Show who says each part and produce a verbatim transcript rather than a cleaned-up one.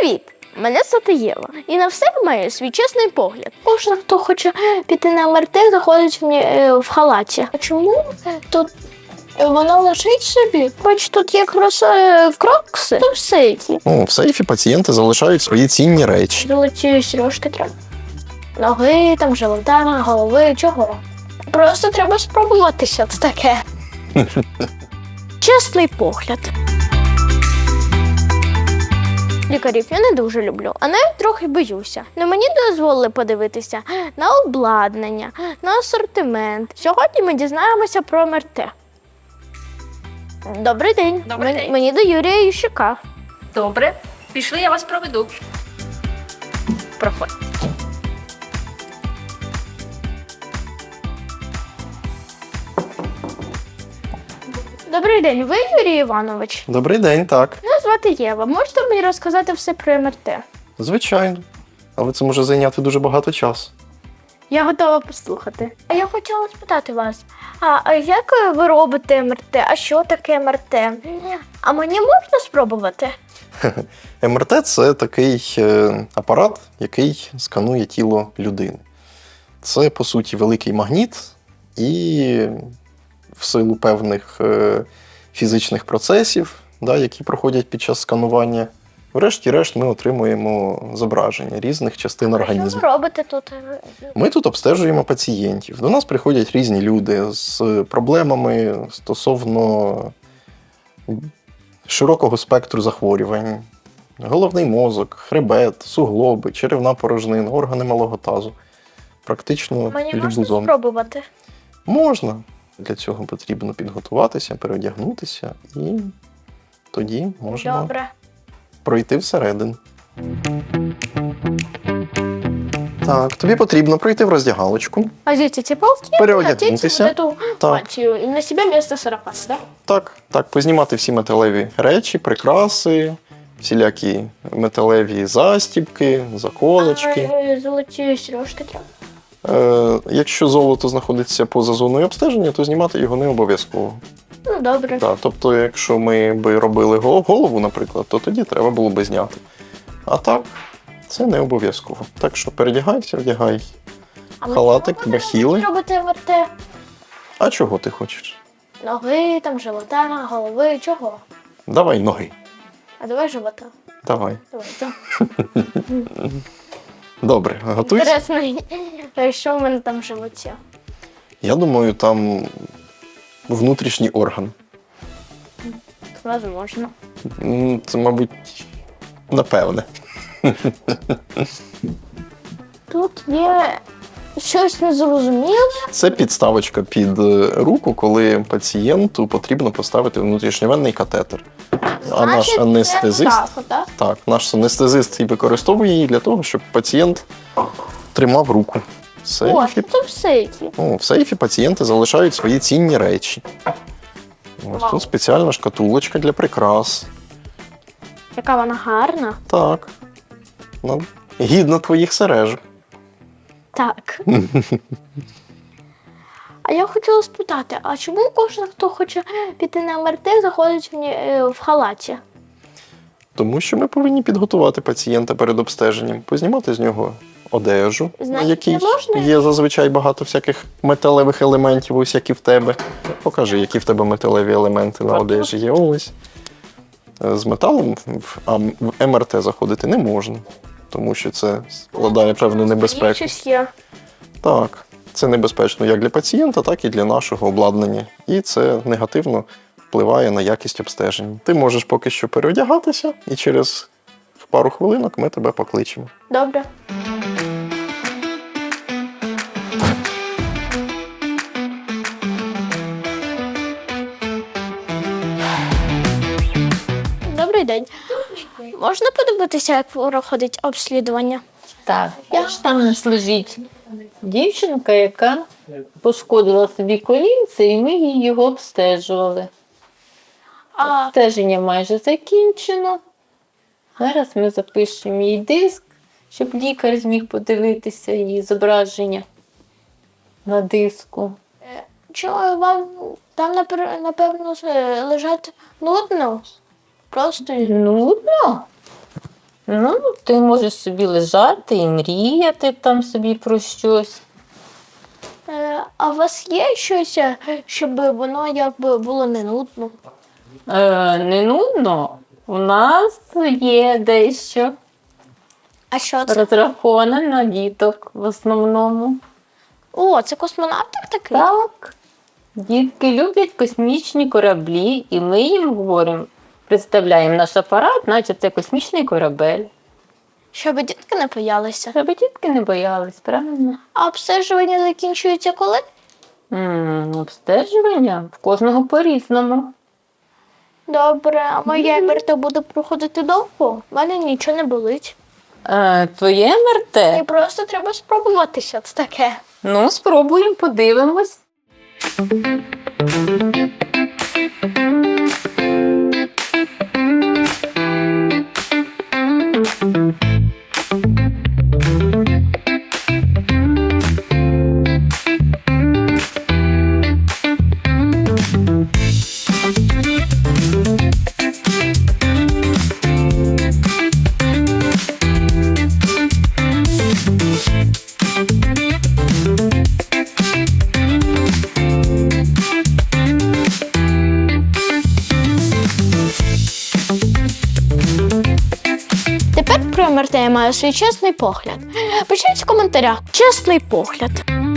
Speaker 1: Привіт! Мене звати Єва. І на все маю свій чесний погляд. Кожен, хто хоче піти на ем ер те, заходить в халаті. А чому тут воно лежить собі? Бач, тут є в крокси, то в сейфі.
Speaker 2: Ну, в сейфі пацієнти залишають свої цінні речі.
Speaker 1: Золоті сережки треба. Ноги, там, живота, голови, чого? Просто треба спробувати, що це таке. Чесний погляд. Лікарів я не дуже люблю, а навіть трохи боюся. Но мені дозволили подивитися на обладнання, на асортимент. Сьогодні ми дізнаємося про ем ер те. Добрий день.
Speaker 3: Добрий
Speaker 1: Мен-
Speaker 3: день.
Speaker 1: Мені до Юрія Ющука.
Speaker 3: Добре, пішли, я вас проведу. Проходь.
Speaker 1: Добрий день, ви Юрій Іванович?
Speaker 2: Добрий день, так.
Speaker 1: Мене звати Єва. Можете мені розказати все про ем ер те?
Speaker 2: Звичайно. Але це може зайняти дуже багато часу.
Speaker 1: Я готова послухати. А я хотіла спитати вас, а, а як ви робите ем ер те? А що таке ем ер те? А мені можна спробувати?
Speaker 2: ем ер те – це такий е, апарат, який сканує тіло людини. Це, по суті, великий магніт, і в силу певних е, фізичних процесів, да, які проходять під час сканування, врешті-решт ми отримуємо зображення різних частин
Speaker 1: Що
Speaker 2: організму.
Speaker 1: ви робите тут?
Speaker 2: Ми тут обстежуємо пацієнтів. До нас приходять різні люди з проблемами стосовно широкого спектру захворювань. Головний мозок, хребет, суглоби, черевна порожнина, органи малого тазу. Практично
Speaker 1: Мені
Speaker 2: любу
Speaker 1: можна
Speaker 2: зону.
Speaker 1: спробувати?
Speaker 2: Можна. Для цього потрібно підготуватися, переодягнутися, і тоді можна
Speaker 1: Добре.
Speaker 2: пройти всередину. Так, тобі потрібно пройти в роздягалочку.
Speaker 1: А звідси ці палки?
Speaker 2: Переодягнутися.
Speaker 1: Надеть вот эту
Speaker 2: Так.
Speaker 1: мантию. И на себя вместо сарафана, да?
Speaker 2: Так, так, познімати всі металеві речі, прикраси, всілякі металеві застібки, заколочки.
Speaker 1: А, е, золоті сережки треба.
Speaker 2: Е, якщо золото знаходиться поза зоною обстеження, то знімати його не обов'язково.
Speaker 1: Ну, добре.
Speaker 2: Так, тобто, якщо ми би робили гол- голову, наприклад, то тоді треба було би зняти. А так, це не обов'язково. Так що передягайся, вдягай
Speaker 1: А ми
Speaker 2: халатик,
Speaker 1: чому
Speaker 2: бахіли.
Speaker 1: будемо робити ем ер те?
Speaker 2: А чого ти хочеш?
Speaker 1: Ноги, там, живота, голови, чого?
Speaker 2: Давай ноги.
Speaker 1: А давай живота.
Speaker 2: Давай.
Speaker 1: Давай, так.
Speaker 2: Добре, готуйся.
Speaker 1: Інтересно, е, що в мене там в животі?
Speaker 2: Я думаю, там внутрішній орган.
Speaker 1: Возможно.
Speaker 2: М, Це, мабуть, напевне.
Speaker 1: Тут є щось незрозуміле.
Speaker 2: Це підставочка під е, руку, коли пацієнту потрібно поставити внутрішньовенний катетер. А наш
Speaker 1: Значить, це
Speaker 2: анестезист,
Speaker 1: так, отак?
Speaker 2: так, наш анестезист і використовує її для того, щоб пацієнт тримав руку. В
Speaker 1: О,
Speaker 2: сейфі,
Speaker 1: це в сейфі.
Speaker 2: ну, в сейфі пацієнти залишають свої цінні речі. Ось
Speaker 1: Вау.
Speaker 2: тут спеціальна шкатулочка для прикрас.
Speaker 1: Яка вона гарна.
Speaker 2: Так. Ну, гідно твоїх сережок.
Speaker 1: Так. А я хотіла спитати, а чому кожен, хто хоче піти на ем ер те, заходить в, ні- е, в халаті?
Speaker 2: Тому що ми повинні підготувати пацієнта перед обстеженням, познімати з нього одежу, на
Speaker 1: Значить,
Speaker 2: якій
Speaker 1: не можна?
Speaker 2: є зазвичай багато всяких металевих елементів, ось як і в тебе. Покажи, які в тебе металеві елементи на
Speaker 1: От
Speaker 2: одежі є. Ось. З металом в а в ем ер те заходити не можна, тому що це складає певну небезпеку.
Speaker 1: Щось є.
Speaker 2: Так, це небезпечно як для пацієнта, так і для нашого обладнання. І це негативно впливає на якість обстежень. Ти можеш поки що переодягатися, і через пару хвилинок ми тебе покличемо.
Speaker 1: Добре. Добрий день. Можна подивитися, як проходить обслідування?
Speaker 4: Так, я ж там не служить дівчинка, яка пошкодила собі колінце, і ми її його обстежували.
Speaker 1: А,
Speaker 4: Обстеження майже закінчено. Зараз ми запишемо їй диск, щоб лікар зміг подивитися її зображення на диску.
Speaker 1: Чи вам там, напер- напевно, лежать нудно? Просто
Speaker 4: Нудно? Ну, ти можеш собі лежати і мріяти там собі про щось.
Speaker 1: Е, а у вас є щось, е, щоб воно якби було не нудно?
Speaker 4: Е, не нудно. У нас є дещо
Speaker 1: А що це?
Speaker 4: розраховане на діток в основному.
Speaker 1: О, це космонавтик такий?
Speaker 4: Так. Дітки люблять космічні кораблі, і ми їм говоримо, представляємо наш апарат, наче це космічний корабель.
Speaker 1: Щоб дітки не боялися.
Speaker 4: Щоб дітки не боялись, правильно?
Speaker 1: А обстежування закінчується коли?
Speaker 4: М, обстежування в кожного по-різному.
Speaker 1: Добре, а моя МРТ буде проходити довго? У мене нічого не болить.
Speaker 4: Е, твоє
Speaker 1: І
Speaker 4: МРТ?
Speaker 1: просто треба спробуватися це таке.
Speaker 4: Ну, спробуємо, подивимось.
Speaker 1: Тепер про МРТ я маю свій чесний погляд. Пишіть в коментарях. Чесний погляд.